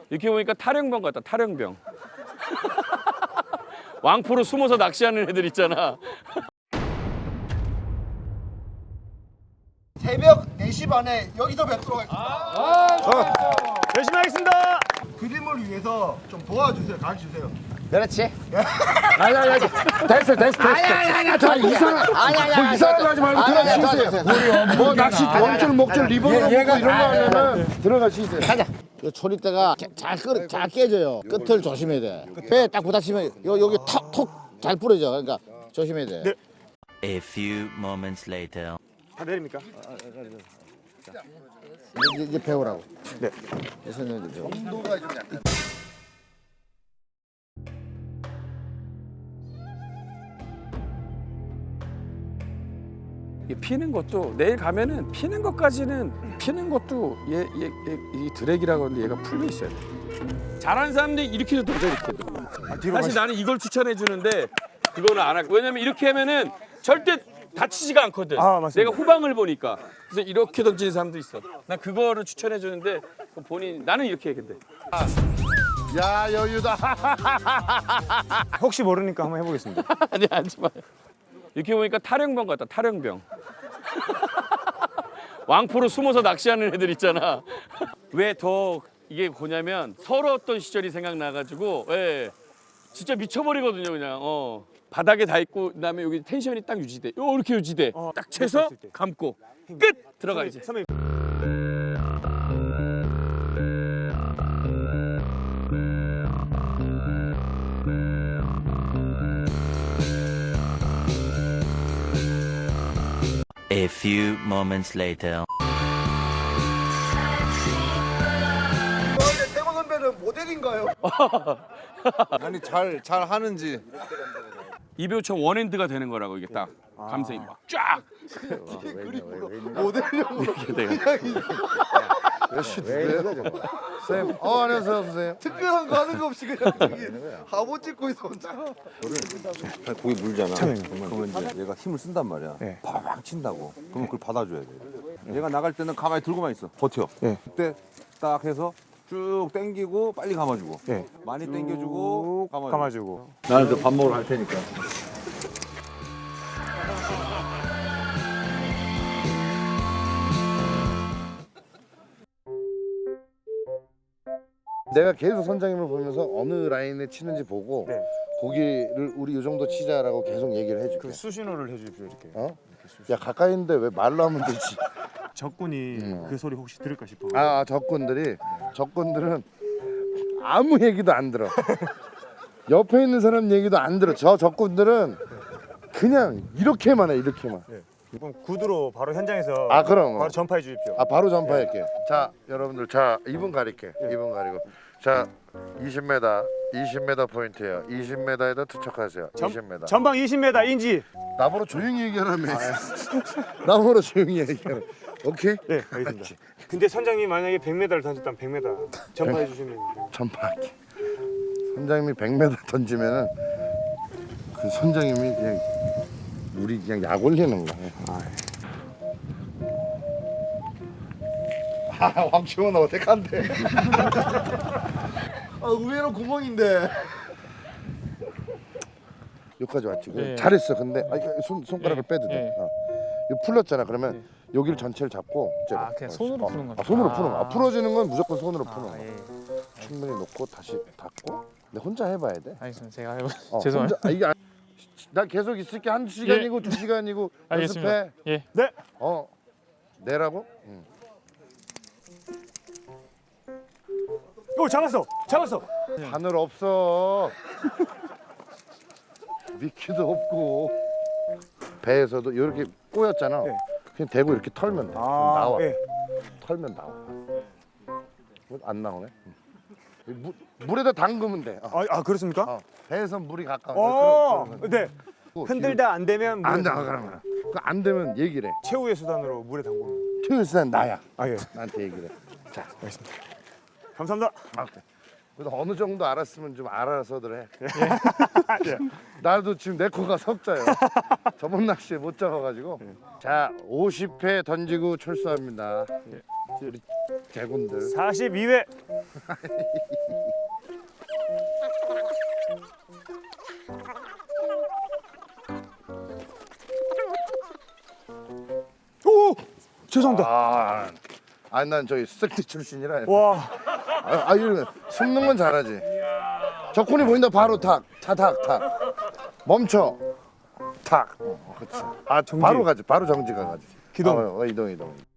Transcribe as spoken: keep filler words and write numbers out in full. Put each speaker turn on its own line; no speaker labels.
이렇게 보니까 탈영병 같다. 탈영병. 왕포로 숨어서 낚시하는 애들 있잖아.
새벽 네 시 반에 여기서 뵙도록 하겠습니다.
아, 열심히 하겠습니다.
그림을 위해서 좀 도와주세요. 가르쳐주세요.
그렇지. 아니 아니 아니 됐어 됐어 됐어. 아니 아니 아니 저 이상한 아니 아니 뭐 이상한 거 하지 말고 들어가 쉬세요. 뭐 낚시 원줄 목줄 리본으로 먹고 이런 거 하려면 들어가 쉬세요. 가자. 이 초리대가 잘 끓, 잘 깨져요. 끝을 조심해야 돼. 배에 딱 부딪히면 요 여기 톡톡 잘 부러져. 그러니까 조심해야 돼.
네.
A few moments later.
다 내립니까?
이제, 이제 배우라고.
네.
이제 배우.
온도가 좀 약간.
이 피는 것도 내일 가면은 피는 것까지는 피는 것도 얘얘이 드랙이라고 하는데 얘가 풀려 있어야 돼. 잘하는 사람들이 이렇게도 도저 이렇게도. 사실
가시...
나는 이걸 추천해 주는데 그거는 안 할. 왜냐면 이렇게 하면은 절대 다치지가 않거든.
아, 맞습니다.
내가 후방을 보니까. 그래서 이렇게 던지는 사람도 있어. 난 그거를 추천해 주는데 본인 나는 이렇게 해 근데.
야 여유다.
혹시 모르니까 한번 해보겠습니다.
아니 하지 마요. 이렇게 보니까 탈영병 같다. 탈영병. 왕포로 숨어서 낚시하는 애들 있잖아. 왜 더 이게 뭐냐면 서러웠던 시절이 생각나가지고 예, 진짜 미쳐버리거든요 그냥. 어. 바닥에 닿 있고 그다음에 여기 텐션이 딱 유지돼. 이렇게 유지돼.
어,
딱 채서
때.
감고 끝 들어가 이제.
선배님.
A few moments later.
근데 태권 선배는 모델인가요?
아니 잘 잘 하는지.
이배우처럼 원핸드가 되는 거라고 이게 딱 감성이 막 쫙.
모델용으로
이렇게 돼요.
왜 이래 저거. 쌤, 어 안녕하세요 선생님.
특별한 거 하는 거 없이 그냥 저기 화보 찍고 있어 혼자.
고기 물잖아. 그러면 이제 얘가 힘을 쓴단 말이야.
네.
팍 친다고. 그러면 그걸 받아줘야 돼. 얘가 나갈 때는 가만히 들고만 있어. 버텨.
네.
그때 딱 해서 쭉 당기고 빨리 감아주고.
네.
많이 당겨주고 감아주고.
감아주고.
나는 저 밥 먹으러 갈 테니까.
내가 계속 선장님을 보면서 어느 라인에 치는지 보고
네.
고기를 우리 이 정도 치자라고 계속 얘기를 해줄게.
그 수신호를 해주십시오 이렇게.
어? 야 가까이 있는데 왜 말로 하면 되지?
적군이
음.
그 소리 혹시 들을까 싶어.
아 적군들이 적군들은 아무 얘기도 안 들어. 옆에 있는 사람 얘기도 안 들어. 저 적군들은 그냥 이렇게만 해 이렇게만.
그럼 구두로 바로 현장에서
아 그럼.
바로 전파해 주십시오.
아 바로 전파할게. 자 여러분들 자 이 분 가릴게. 이 분 가리고 자 이십 미터 이십 미터 포인트예요. 이십 미터에다 투척하세요.
전-
이십 미터.
전방 이십 미터 인지.
나보러 조용히 얘기하라며. 나보러 조용히 얘기하라. 오케이?
네, 알겠습니다. 근데 선장님 만약에 백 미터를 던졌다면 백 미터 전파해 주시면
전파할게. 선장님이 백 미터 던지면은 그 선장님이 그냥 우리 그냥 약 올리는 거야. 아 황치원 어떡한데?
아 의외로 구멍인데.
여기까지 왔지. 그래.
예.
잘했어. 근데 아, 이거 손 손가락을
예.
빼도 돼.
예.
어. 이거 풀렸잖아. 그러면 여기를 전체를 잡고 이제로.
아, 그냥 손으로
어.
푸는 거죠?
아, 손으로
아.
푸는 거. 아, 풀어지는 건 무조건 손으로 푸는
아,
거.
예.
충분히 놓고 다시 닫고. 근데 혼자 해봐야 돼.
알겠습니다. 제가 해보.
어,
죄송해요.
혼자, 아, 이게 안- 나 계속 있을게. 한 시간이고 두 시간이고
알겠습니다.
연습해.
예.
네.
어 내라고? 응.
오 잡았어. 잡았어.
바늘 없어. 미끼도 없고 배에서도 이렇게 꼬였잖아.
네.
그냥 대고 이렇게 털면 돼. 그럼 나와.
예.
털면 나와. 안 나오네. 응. 물, 물에다 담그면 돼. 어.
아, 아 그렇습니까?
어. 배에선 물이 가까워.
어.
그럼, 그럼.
네. 흔들다 안 되면 물에
안 돼.
담그고.
그럼 그안 되면 얘기를 해.
최후의 수단으로 물에 담그는.
최일수는 나야.
아 예.
나한테 얘기를 해. 자,
알겠습니다. 감사합니다.
아, 그래. 그래도 어느 정도 알았으면 좀 알아서들 해. 나도 지금 내 코가 석자요. 저번 낚시에 못 잡아가지고. 자, 오십 회 던지고 출소합니다. 우리 개군들.
사십이 회. 오! 죄송합니다.
아, 아니 난 저기 스택트 출신이라.
와.
아, 아 이러면 숨는 건 잘하지. 적군이 보인다 바로 탁, 타탁 탁. 멈춰. 탁. 어, 그렇지.
아, 정지.
바로 가지. 바로 정지가 가지.
기동.
아, 어, 이동 이동.